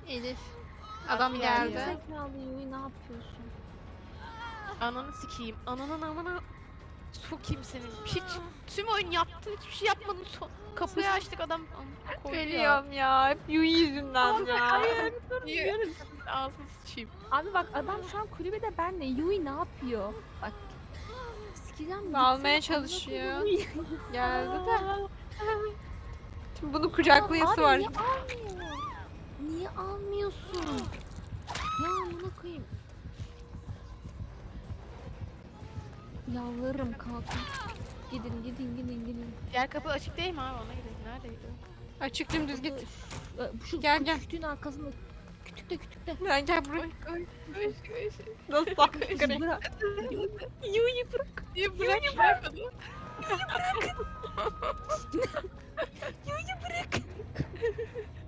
Elif. Adam Abi geldi. ya. Zekalı Yui ne yapıyorsun? Ananı sikeyim. Ananın amına sokayım senin. Hiç tüm oyun yaptın, hiçbir şey yapmadın. Kapıyı açtık adam koydu ya. Ölüyorum ya. Hep Yui yüzünden ya. Hayır dur Niye? diyoruz. Ağzını sıçayım. Abi bak adam şu an kulübede benle. Yui ne yapıyor? Bak. Sikeceğim. Almaya gitsene, amına çalışıyor. koyayım. Geldi de. Şimdi bunu kucaklayası Abi var. niye almıyor? Niye almıyorsun? Ya amına koyayım. Yalvarırım kalkın. Gidin gidin gidin gidin. Diğer kapı açık değil mi abi? Ona gidelim. Neredeydi? Açık dümdüz git. Şu Gel, gel. kütüğün arkasında. Kütükte kütükte. Gel buraya. Oy. Nasıl sakın? Bırak. Yu'yu bırak. Niye bırakmadın? Yu'yu bırak.